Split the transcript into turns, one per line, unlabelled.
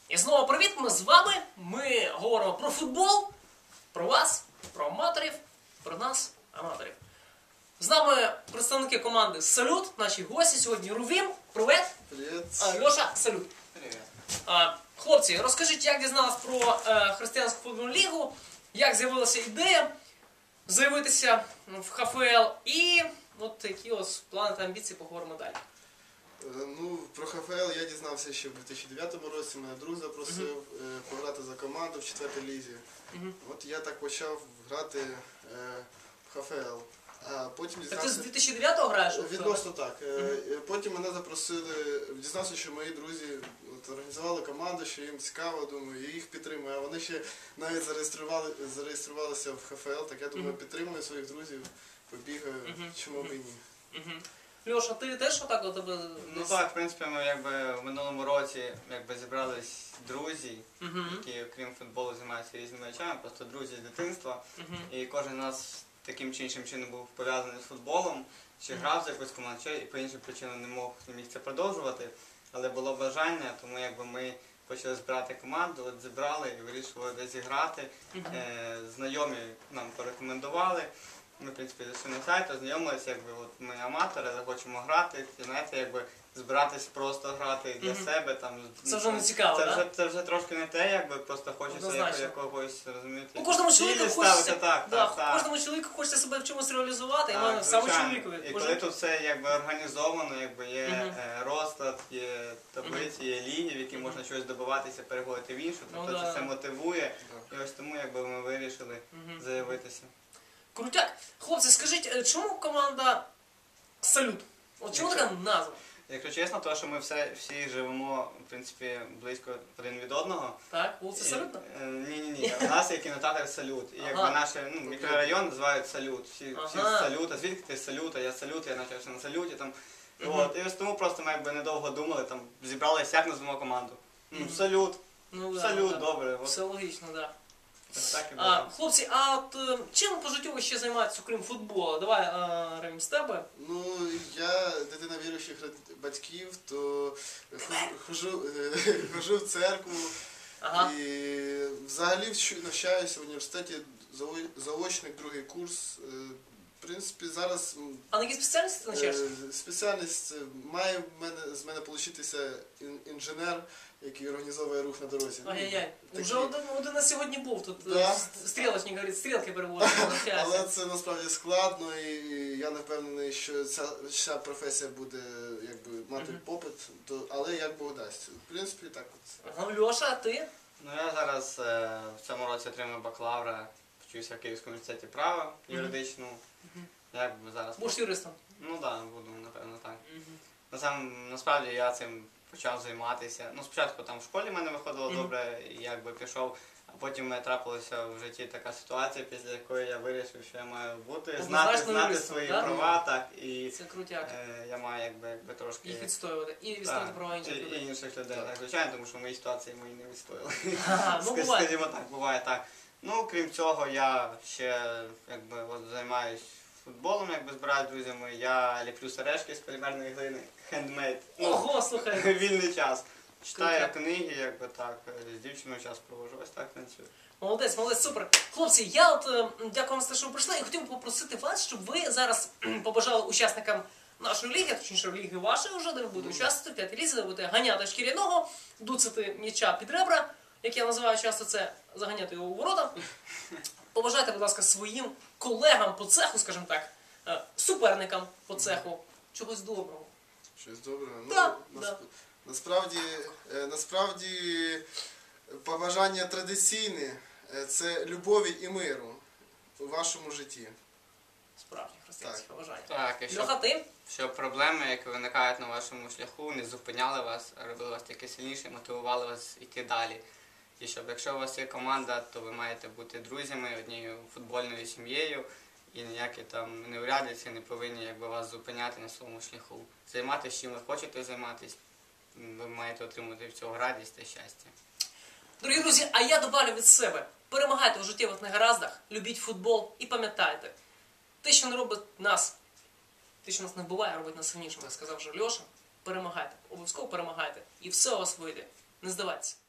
І знову привіт, ми з вами. Ми говоримо про футбол, про вас, про аматорів, про нас, аматорів. З нами представники команди «Салют», наші гості сьогодні. Рувім, привіт.
Привіт.
Льоша, салют.
Привіт.
Хлопці, розкажіть, як дізнались про Християнську футбольну лігу, як з'явилася ідея заявитися в ХФЛ і от які ось плани та амбіції, поговоримо далі.
Ну, про ХФЛ я дізнався ще в 2009 році, мене друг запросив пограти за команду в 4-й лізі. От я так почав грати в ХФЛ. А потім
Так ти з 2009-го граєш?
Відносно так. Потім мене запросили, дізнався, що мої друзі організували команду, що їм цікаво, думаю, я їх підтримую. А вони ще навіть зареєструвалися в ХФЛ, так я думаю, підтримую своїх друзів, побігаю, чому б і ні.
Льоша, ти теж отак у тебе?
Ну так, в принципі, ми якби в минулому році зібрались друзі, які окрім футболу займаються різними речами, просто друзі з дитинства. І кожен з нас таким чи іншим чином був пов'язаний з футболом, чи грав за якусь команду, чи по іншим причинам не міг це продовжувати. Але було бажання, тому якби ми почали збирати команду, от зібрали і вирішили десь зіграти. Знайомі нам порекомендували. Ми, в принципі, зайшли на сайт, ознайомилися, якби от ми аматори, захочемо грати, і знаєте, якби збиратись просто грати для себе. Там,
це вже не цікаво, так?
Це вже трошки не те, якби просто хочеться якогось, розумієте,
кожному чоловіку хочеться,
так.
Кожному чоловіку хочеться себе в чомусь реалізувати, і саме чоловікові.
І коли тут все якби організовано, якби є розклад, є таблиці, є лінії, в які можна щось добиватися, переходити в іншу, тобто це все мотивує. І ось тому якби ми вирішили заявитися.
Крутяк. Хлопці, скажіть, чому команда «Салют»? От чому така назва?
Якщо чесно, то що ми всі живемо, в принципі, близько один від одного.
Так, вулиця Салютна?
Ні. У нас є кінотеатр «Салют». І якби наш мікрорайон називають «Салют». Всі «Салют», а звідки ти «Салют», а я «Салют», я навчався на «Салюті». І ось тому просто ми якби недовго думали, там зібралися, як назвемо команду. «Салют». «Салют», добре.
Все логічно, так.
Хлопці,
а от чим по життю ви ще займаєтеся, окрім футболу? Давай, Рим, з тебе.
Ну, я дитина віруючих батьків, то хожу в церкву і взагалі навчаюся в університеті, заочник, другий курс. В принципі, зараз...
А на якій спеціальності ти навчаєшся?
Спеціальність має з мене получитися інженер, який організовує рух на дорозі.
Ай-яй-яй. Уже один на сьогодні був тут. Стрілочник говорить, стрілки переводить.
Але це насправді складно, і я не впевнений, що ця професія буде мати попит, але як Бог дасть. В принципі, так от.
Льоша, а ти?
Ну, я зараз в цьому році отримую бакалавра, вчуся в Київському університеті права юридичному.
Будеш юристом?
Ну так, буду, напевно, так. Насправді я цим почав займатися. Ну, спочатку там в школі в мене виходило добре, і якби пішов, а потім трапилася в житті така ситуація, після якої я вирішив, що я маю бути, знати свої права, так, і
це крутяк.
Я маю якби трошки...
Їх відстоювати, і відстоювати права інших людей.
І інших людей, так, звичайно, тому що в моїй ситуації мої не відстояли.
Скажімо
так, буває так. Ну, крім цього, я ще займаюсь футболом, збираю з друзями, я ліплю сережки з полімерної глини, хендмейд.
Ого, слухай!
Вільний час. Читаю книги, з дівчиною час проводжу, ось так танцюю.
Молодець, супер. Хлопці, я дякую вам за те, що ви прийшли, і хотів би попросити вас, щоб ви зараз побажали учасникам нашої ліги, точніше ліги вашої вже, де ви будете участвувати, в 5-й лізі, де ви будете ганяти шкіряного, дуцати м'яча під ребра, як я називаю часто це, заганяти його у ворота. Побажайте, будь ласка, своїм колегам по цеху, скажімо так, суперникам по цеху, чогось доброго.
Щось доброго?
Ну,
насправді побажання традиційне – це любові і миру у вашому житті.
Справді, християнське побажання.
Так, і щоб проблеми, які виникають на вашому шляху, не зупиняли вас, а робили вас таки сильніше, мотивували вас йти далі. І щоб, якщо у вас є команда, то ви маєте бути друзями, однією футбольною сім'єю, і ніякі там неурядиці не повинні вас зупиняти на своєму шляху. Займатися чим ви хочете займатися, ви маєте отримати від цього радість та щастя.
Дорогі друзі, а я добавлю від себе. Перемагайте у життєвих негараздах, любіть футбол і пам'ятайте, те, що не робить нас, те, що нас не вбиває, робить нас сильнішими, як сказав вже Льоша, перемагайте, обов'язково перемагайте, і все у вас вийде. Не здавайтеся.